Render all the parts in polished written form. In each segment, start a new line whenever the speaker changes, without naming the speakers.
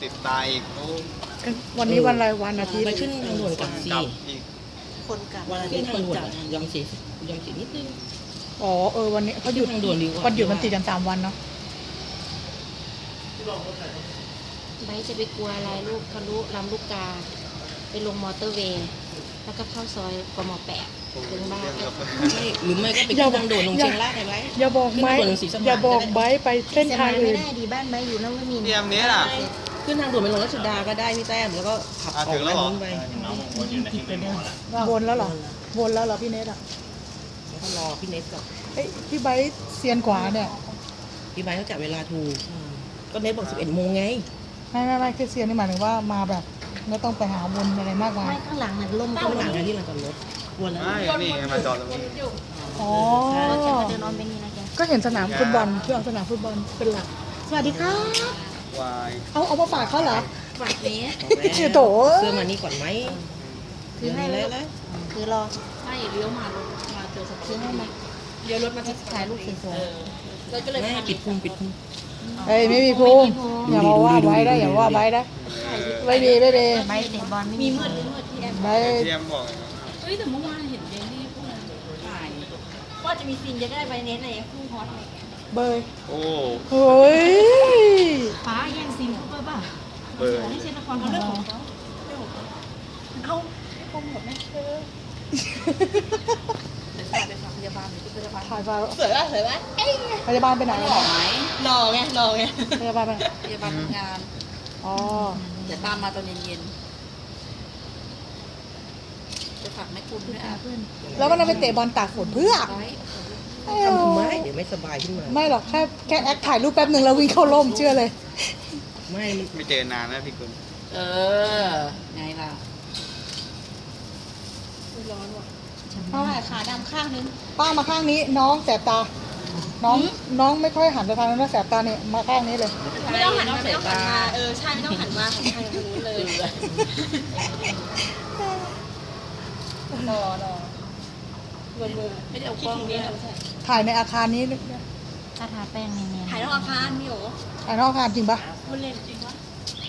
ติดตายอีกโอ้
วันนี้วันอะไรวันอาทิตย์
ไปขึ้นทางด่วนก่อนสิ
กลับอีก
คนกลับ
วันอาทิตย์ทางด่วนยอมเสียนิดนึง
อ๋อวันนี้เขาหยุด
ทางด่วนดีกว่า
วันหยุดมันติดกัน3 วันเนาะ
ไบร์ทจะไปกลัวอะไรลูกทะลุลำลูกกา ไปลงมอเตอร์เวย์ แล้วก็เข้าซอยกม8ถึงบ้าน
ไม่หรือไม่ก็ไปขึ้นทางด่วนลงเชียงรายได้ไหม
อย่าบอกไบร์ทอย่าบอกไบร์ทไปเส้นทางอื่น
ไม่ได้ดีบ้านไบร์ทอยู่นวมินทร์
เตรียมนี้ล่ะ
ขึ้นทางด่วนไปลงรัชดาก็ได้พี่แต้มแล้วก็ขับออก
ถึงแล้วเหรอ
นู้นไป
ผิดไปเดิม
วนแล้วเหรอวนแล้วเหรอพี่เนทอ่ะ
แล้วก็รอพี่เนสก่อน
เอ้ยพี่ไบร์ทเซียนกว่าเนี่ย
พี่ไบค์เขาจับเวลาถูกก็เนสบอก11 โมงไง
ไม่คือเซียนนี่หมายถึงว่ามาแบบไม่ต้องไปหาวนอะไรมากมาย
ไม่ข้างหลังน่ะลม
ข้างหลังไงที่ลานจอดรถวนแล้ว
ไม่นี่ไงมาจอดตรงนี้
อ๋อ
รถจะมาเดินออมไปนี่นะแก
ก็เห็นสนามฟุตบอลเพื่อเอาสนามฟุตบอลเป็นหลักสวัสดีครับ
วาย
เอามาฝากเขาเหรอ
ฝากนี้
ชื่อโถ
เสื้อมานี่ก่อนไหม
คือให้
เล
เลย
ย
คือรอ
ไม่เลี้ยวมาเจอสัก
คือให้มา
เลี้ยวรถมาที่
ถ่ายรูปสวย
แล้วก็เลย
ไม่ปิดพุง
เอ้ยไม่มีพุงอย่ามาว่าไว้ได้อย่าว่าไว้ได้ไม่มี
ๆไบร์ทเตะบอลไม่มีมืด
ที่แอม
ไม่
เตรียมบอกไง
เฮ้ยแต่เมื่อวานเห็นเดนนี่พวกนั้นถ่ายว่าจะมีซีนจะได้ไปเน้นอะไรคู่ฮอตอะไรอย่างเงี้ย
เบย
โอ้
เฮ้ย
ฟ้าแย่งซีนคู่ป่ะ
เบอร์
ที่เชนนครเขาเรื่องของเขาเอาคมหมดไหมเดี๋ยวฝากพยาบาลหรือพยาบาล
ถ่ายไป
สวยป่ะสวยป่ะ
พยาบาลไปไหน
หล่อไหมหล่อไง
พยาบาลไปไหน
พยาบาลทำงาน
อ๋อ
เดี๋ยวตามมาตอนเย็นๆจะฝากแม่คุณด้วยอ่ะ
แล้วก็นั่งไปเตะบอลตากฝนเพื่อ
ไว้
ทำทำไมเดี๋ยวไม่สบายขึ้นมา
ไม่หรอกแค่แอคถ่ายรูปแป๊บหนึ่งแล้ววิ่งเข้าร่มเชื่อเลย
ไม่มัน
ไม่เจอนานนะพี่คุณ
เออไงล่ะ
เพราะว่าขาดำข้างนึง
ป้ามาข้างนี้น้องแสบตา น้องไม่ค่อยหันไปทางนั้นนะแสบตาเนี่ยมาข้างนี้เลย
ไม่ต้องหันไม่ต้องหันมา
ใช่ไม่ต้องหันมาหันทางนู้นเลย
รอไม่ได้เอากล้องนี้
ถ่ายในอาคารนี้
ถ้าทาแป้งเนียนๆ
ถ่ายนอกอาคารมีโห
ถ่ายนอกอาคารจริงปะ
คุณเล่นจริงวะ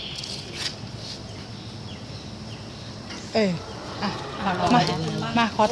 เอออ่ะมาขอ